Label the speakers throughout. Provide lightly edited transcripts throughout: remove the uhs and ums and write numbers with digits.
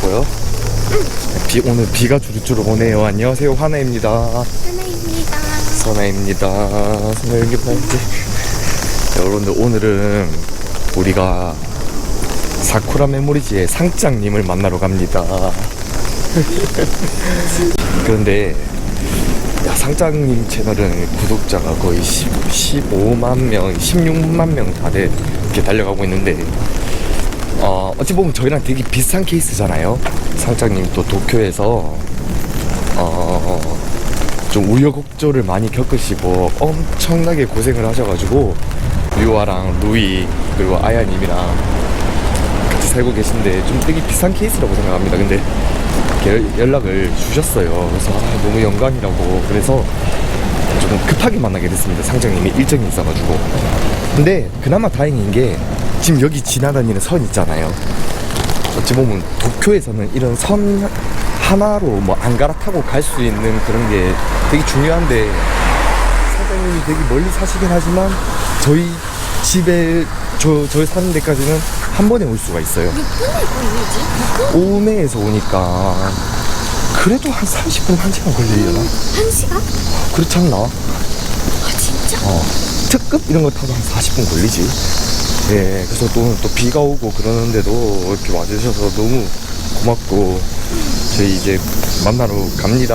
Speaker 1: 있고요. 오늘 비가 주룩주룩 오네요. 안녕하세요, 화나입니다. 선아입니다. 선아입니다. 여러분들, 오늘은 우리가 사쿠라 메모리지의 상장님을 만나러 갑니다. 그런데 상장님 채널은 구독자가 거의 15만 명, 16만 명 다들 이렇게 달려가고 있는데, 어찌 보면 저희랑 되게 비슷한 케이스잖아요. 상장님 또 도쿄에서 좀 우여곡절을 많이 겪으시고 엄청나게 고생을 하셔가지고 유아랑 루이 그리고 아야님이랑 같이 살고 계신데 좀 되게 비슷한 케이스라고 생각합니다. 근데 연락을 주셨어요. 그래서 너무 영광이라고. 그래서 조금 급하게 만나게 됐습니다. 상장님이 일정이 있어가지고. 근데 그나마 다행인 게 지금 여기 지나다니는 선 있잖아요. 어찌 보면 도쿄에서는 이런 선 하나로 뭐 안 갈아타고 갈 수 있는 그런 게 되게 중요한데, 사장님이 되게 멀리 사시긴 하지만 저희 집에 저희 사는 데까지는 한 번에 올 수가 있어요.
Speaker 2: 몇 분에 걸리지?
Speaker 1: 오메에서 오니까 그래도 한 30분, 1시간 걸리려나?
Speaker 2: 1시간?
Speaker 1: 그렇지 않나?
Speaker 2: 아 진짜?
Speaker 1: 특급 이런 거 타도 한 40분 걸리지. 예, 그래서 또 비가 오고 그러는데도 이렇게 와주셔서 너무 고맙고, 저희 이제 만나러 갑니다.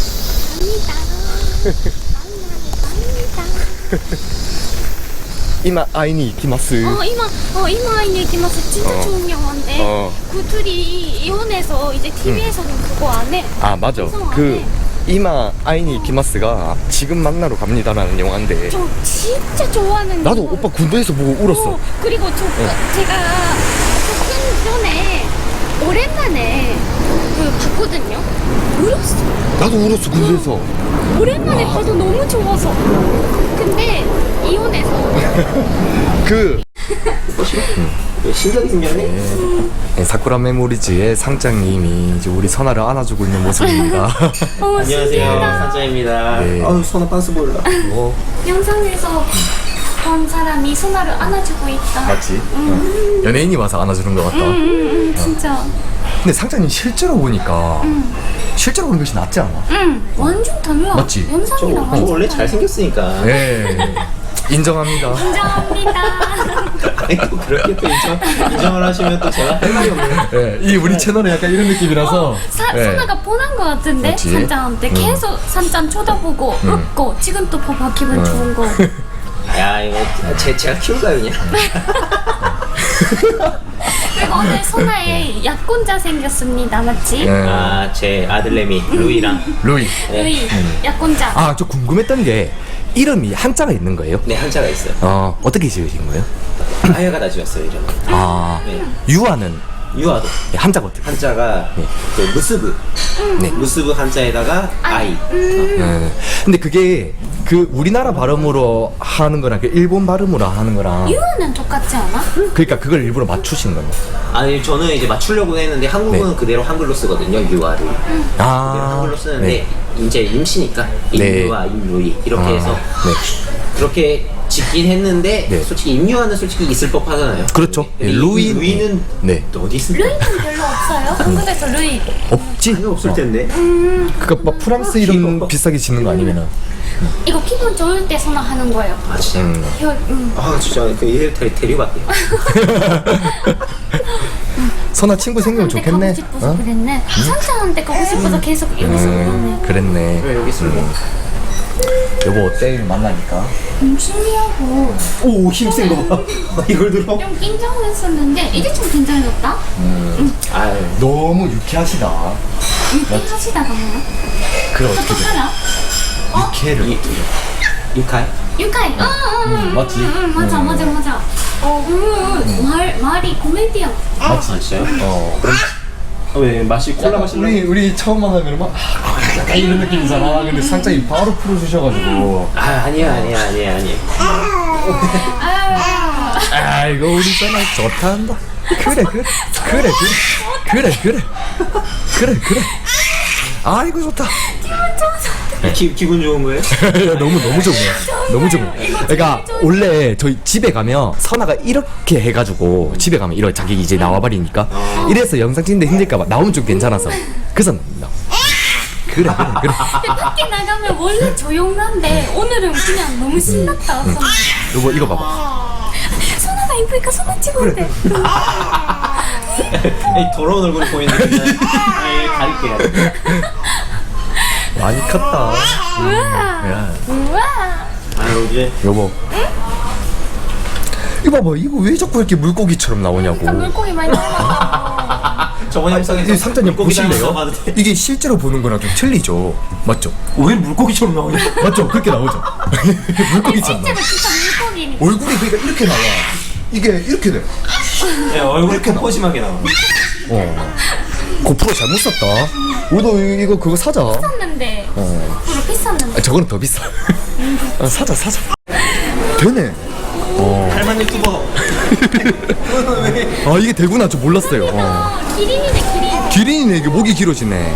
Speaker 1: 이마 아이니 이키마스.
Speaker 2: 이마 아이니 이키마스. 진짜 좋은 영화인데 그 둘이 이혼해서 이제 TV에서는 그거 안 해.
Speaker 1: 아 맞아. 그 이마 아이니 이키마스가 지금 만나러 갑니다라는 영화인데,
Speaker 2: 저 진짜 좋아하는
Speaker 1: 나도
Speaker 2: 영화.
Speaker 1: 오빠 군대에서 보고 울었어.
Speaker 2: 그리고 제가 조금 전에 오랜만에 봤거든요. 울었어.
Speaker 1: 나도 울었어, 군대에서.
Speaker 2: 오랜만에 봐도 너무 좋아서. 근데 이혼해서
Speaker 3: 신기하게 생겼네.
Speaker 1: 네, 사쿠라 메모리즈의 상장님이 이제 우리 선아를 안아주고 있는 모습입니다.
Speaker 3: 안녕하세요, 상장입니다.
Speaker 1: 네.
Speaker 3: 아유, 선아 빤스 보일라.
Speaker 2: 영상에서 본 사람이 손아를 안아주고 있다.
Speaker 1: 맞지? 연예인이 와서 안아주는 것 같다.
Speaker 2: 진짜.
Speaker 1: 근데 상장님 실제로 보니까 실제로 보는 것이 낫지 않아?
Speaker 2: 완전 달라.
Speaker 1: 맞지?
Speaker 3: 저
Speaker 2: 영상이랑 완전
Speaker 3: 원래
Speaker 2: 달라.
Speaker 3: 잘생겼으니까.
Speaker 1: 네, 인정합니다.
Speaker 2: 인정합니다.
Speaker 3: 아니, 또 그렇게 또 인정을 하시면 또 제가 할 말이 없네요.
Speaker 1: 네, 이 우리 채널은 약간 이런 느낌이라서. 네.
Speaker 2: 선아가 뻔한 것 같은데
Speaker 1: 맞지?
Speaker 2: 산짱한테 계속 산짱 쳐다보고 웃고 지금 또 봐봐 기분 좋은 거.
Speaker 3: 야, 이거 제가 키울까요, 그냥?
Speaker 2: 그리고 오늘 선아의 약혼자 생겼습니다. 맞지?
Speaker 1: 네.
Speaker 3: 아, 제 아들내미 루이랑.
Speaker 1: 루이.
Speaker 2: 루이 약혼자.
Speaker 1: 아, 저 궁금했던 게 이름이 한자가 있는 거예요?
Speaker 3: 네, 한자가 있어요.
Speaker 1: 어떻게 지으신 거예요?
Speaker 3: 아야가 다 지었어요, 이름은.
Speaker 1: 아,
Speaker 3: 네.
Speaker 1: 유아는
Speaker 3: 유아도.
Speaker 1: 한자가 어떻게?
Speaker 3: 한자가
Speaker 1: 네.
Speaker 3: 그 무스브.
Speaker 1: 네.
Speaker 3: 무스브 한자에다가 아이.
Speaker 1: 네. 근데 그게 그 우리나라 발음으로 하는 거랑 그 일본 발음으로 하는 거랑,
Speaker 2: 유아는 똑같지 않아?
Speaker 1: 그러니까 그걸 일부러 맞추신 거네.
Speaker 3: 아니, 저는 이제 맞추려고 했는데 한국은
Speaker 1: 네.
Speaker 3: 그대로 한글로 쓰거든요, 유아를. 그대로
Speaker 1: 아,
Speaker 3: 한글로 쓰는데
Speaker 1: 네.
Speaker 3: 이제 임시니까
Speaker 1: 네.
Speaker 3: 임유아, 임루이 이렇게
Speaker 1: 아,
Speaker 3: 해서
Speaker 1: 네.
Speaker 3: 그렇게 짓긴 했는데
Speaker 1: 네.
Speaker 3: 솔직히 임유아는 솔직히 있을 법하잖아요.
Speaker 1: 그렇죠.
Speaker 3: 근데
Speaker 1: 루이는
Speaker 3: 네.
Speaker 1: 네.
Speaker 3: 어디 있을까?
Speaker 2: 루이는 별로 없어요. 한국에서 루이.
Speaker 1: 없지.
Speaker 3: 전혀 없을 텐데.
Speaker 1: 그니까 막 프랑스 이름
Speaker 3: 귀여워.
Speaker 1: 비싸게 짓는 거 아니면은.
Speaker 2: 이거 기분 좋을 때 선아 하는 거예요.
Speaker 3: 아 진짜. 아 진짜 그 얘를 데려갈게요.
Speaker 1: 선아 친구 생기면 좋겠네.
Speaker 2: 가고 싶어서 그랬네. 산장한테 가고 싶어서 계속 여기서 그러네.
Speaker 1: 그랬네.
Speaker 3: 왜 여기 있으면
Speaker 1: 여보 어때? 만나니까.
Speaker 2: 신기하고
Speaker 3: 오 힘센 거 봐. 이걸 들어?
Speaker 2: 좀 긴장했었는데 이제 좀 긴장해졌다.
Speaker 3: 아유
Speaker 1: 너무 유쾌하시다.
Speaker 2: 유쾌하시다가 뭐야?
Speaker 1: 그래
Speaker 2: 또
Speaker 1: 어떻게
Speaker 2: 하나?
Speaker 1: 유쾌를.
Speaker 3: 유카이?
Speaker 2: 유쾌해.
Speaker 1: 맞지?
Speaker 2: 맞아. 말이 코미디언.
Speaker 3: 아 진짜요?
Speaker 1: 그럼
Speaker 3: 왜 맛이 콜라 마실래?
Speaker 1: 우리 처음 만나면 막 약간 이런 느낌이잖아. 근데 상장이 바로 풀어주셔가지고.
Speaker 3: 아 아니야.
Speaker 1: 아 이거 우리 선아 좋다 한다. 그래. 아 이거 좋다.
Speaker 2: 기분 좋아서
Speaker 3: 기분 좋은 거예요?
Speaker 1: 너무 좋네요. 너무 좋네요. 그러니까 원래 저희 집에 가면 선아가 이렇게 해가지고 집에 가면 이런 자기 이제 나와버리니까 이래서 영상 찍는데 힘들까봐 나오면 좀 괜찮아서 그래서 그래.
Speaker 2: 근데 밖에 나가면 원래 조용한데 오늘은 그냥 너무 신났다.
Speaker 1: 여보 이거 봐봐.
Speaker 2: 선아가 이쁘니까 선아 찍어도 돼.
Speaker 3: 이 더러운 얼굴이 보이는데 가릴게요.
Speaker 1: 많이 컸다.
Speaker 2: 우와.
Speaker 1: 야.
Speaker 2: 우와.
Speaker 3: 아유 이제
Speaker 1: 여보. 이거 봐봐. 이거 왜 자꾸 이렇게 물고기처럼 나오냐고.
Speaker 2: 그러니까 물고기 많이 닮았다.
Speaker 3: 저번 영상에서
Speaker 1: 이 상자님 보실래요?
Speaker 3: 봐도 돼.
Speaker 1: 이게 실제로 보는 거랑 좀 틀리죠. 맞죠?
Speaker 3: 왜 물고기처럼 나오냐?
Speaker 1: 맞죠? 그렇게 나오죠. 물고기처럼.
Speaker 2: 실제로 진짜 물고기니까.
Speaker 1: 얼굴이 그러니까 이렇게 나와. 이게 이렇게 돼.
Speaker 3: 네, 얼굴이 이렇게 포심하게 나와.
Speaker 1: 고프로 잘못 샀다. 우리도 이거 그거 사자.
Speaker 2: 샀는데. 앞으로 비쌌는데.
Speaker 1: 저거는 더 비싸. 사자. 되네.
Speaker 3: 할만 유튜버. 왜?
Speaker 1: 이게 되구나. 저 몰랐어요.
Speaker 2: 기린이네 기린.
Speaker 1: 기린이네. 이게 목이 길어지네.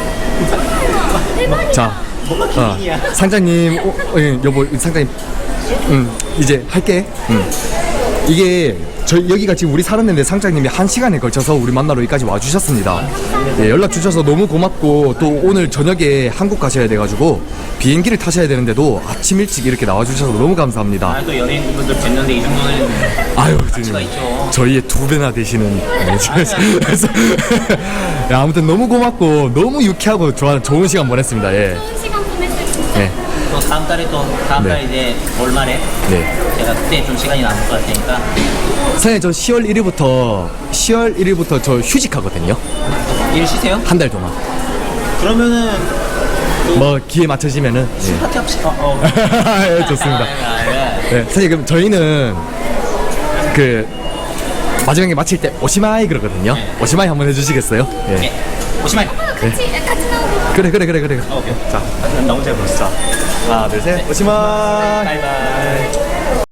Speaker 2: 대박이다.
Speaker 1: 자,
Speaker 3: 뭐가 기린이야?
Speaker 1: 상장님, 예, 여보, 상장님, 이제 할게. 이게 여기가 지금 우리 살았는데 상장님이 1시간에 걸쳐서 우리 만나러 여기까지 와주셨습니다. 예, 연락 주셔서 너무 고맙고 또 오늘 저녁에 한국 가셔야 돼가지고 비행기를 타셔야 되는데도 아침 일찍 이렇게 나와주셔서 너무 감사합니다.
Speaker 3: 또 연예인분들 뵀는데 이 정도는
Speaker 1: 아유,
Speaker 3: 가치가 있죠.
Speaker 1: 저희의 2배나 되시는. 그래서 야, 아무튼 너무 고맙고 너무 유쾌하고 좋은 시간 보냈습니다. 예.
Speaker 2: 좋은 시간 보냈어요 진짜.
Speaker 1: 네.
Speaker 3: 또 다음 달에 다음 달 이제 월말에
Speaker 1: 네.
Speaker 3: 제가 그때 좀 시간이 남을 것 같으니까
Speaker 1: 사장님 저 10월 1일부터 저 휴직하거든요.
Speaker 3: 일 쉬세요?
Speaker 1: 한 달 동안.
Speaker 3: 그러면은
Speaker 1: 뭐 기회 맞춰지면은. 예.
Speaker 3: 파티 없이
Speaker 1: 예, 좋습니다. 네, 사실 그럼 저희는 그 마지막에 마칠 때 오시마이 그러거든요. 오시마이 한번 해주시겠어요? 예.
Speaker 3: 오시마이.
Speaker 2: 같이 나오고.
Speaker 1: 그래.
Speaker 3: 오케이.
Speaker 1: 자, 나 혼자 해보시죠. 하나, 둘, 셋. 오시마이.
Speaker 3: 바이바이.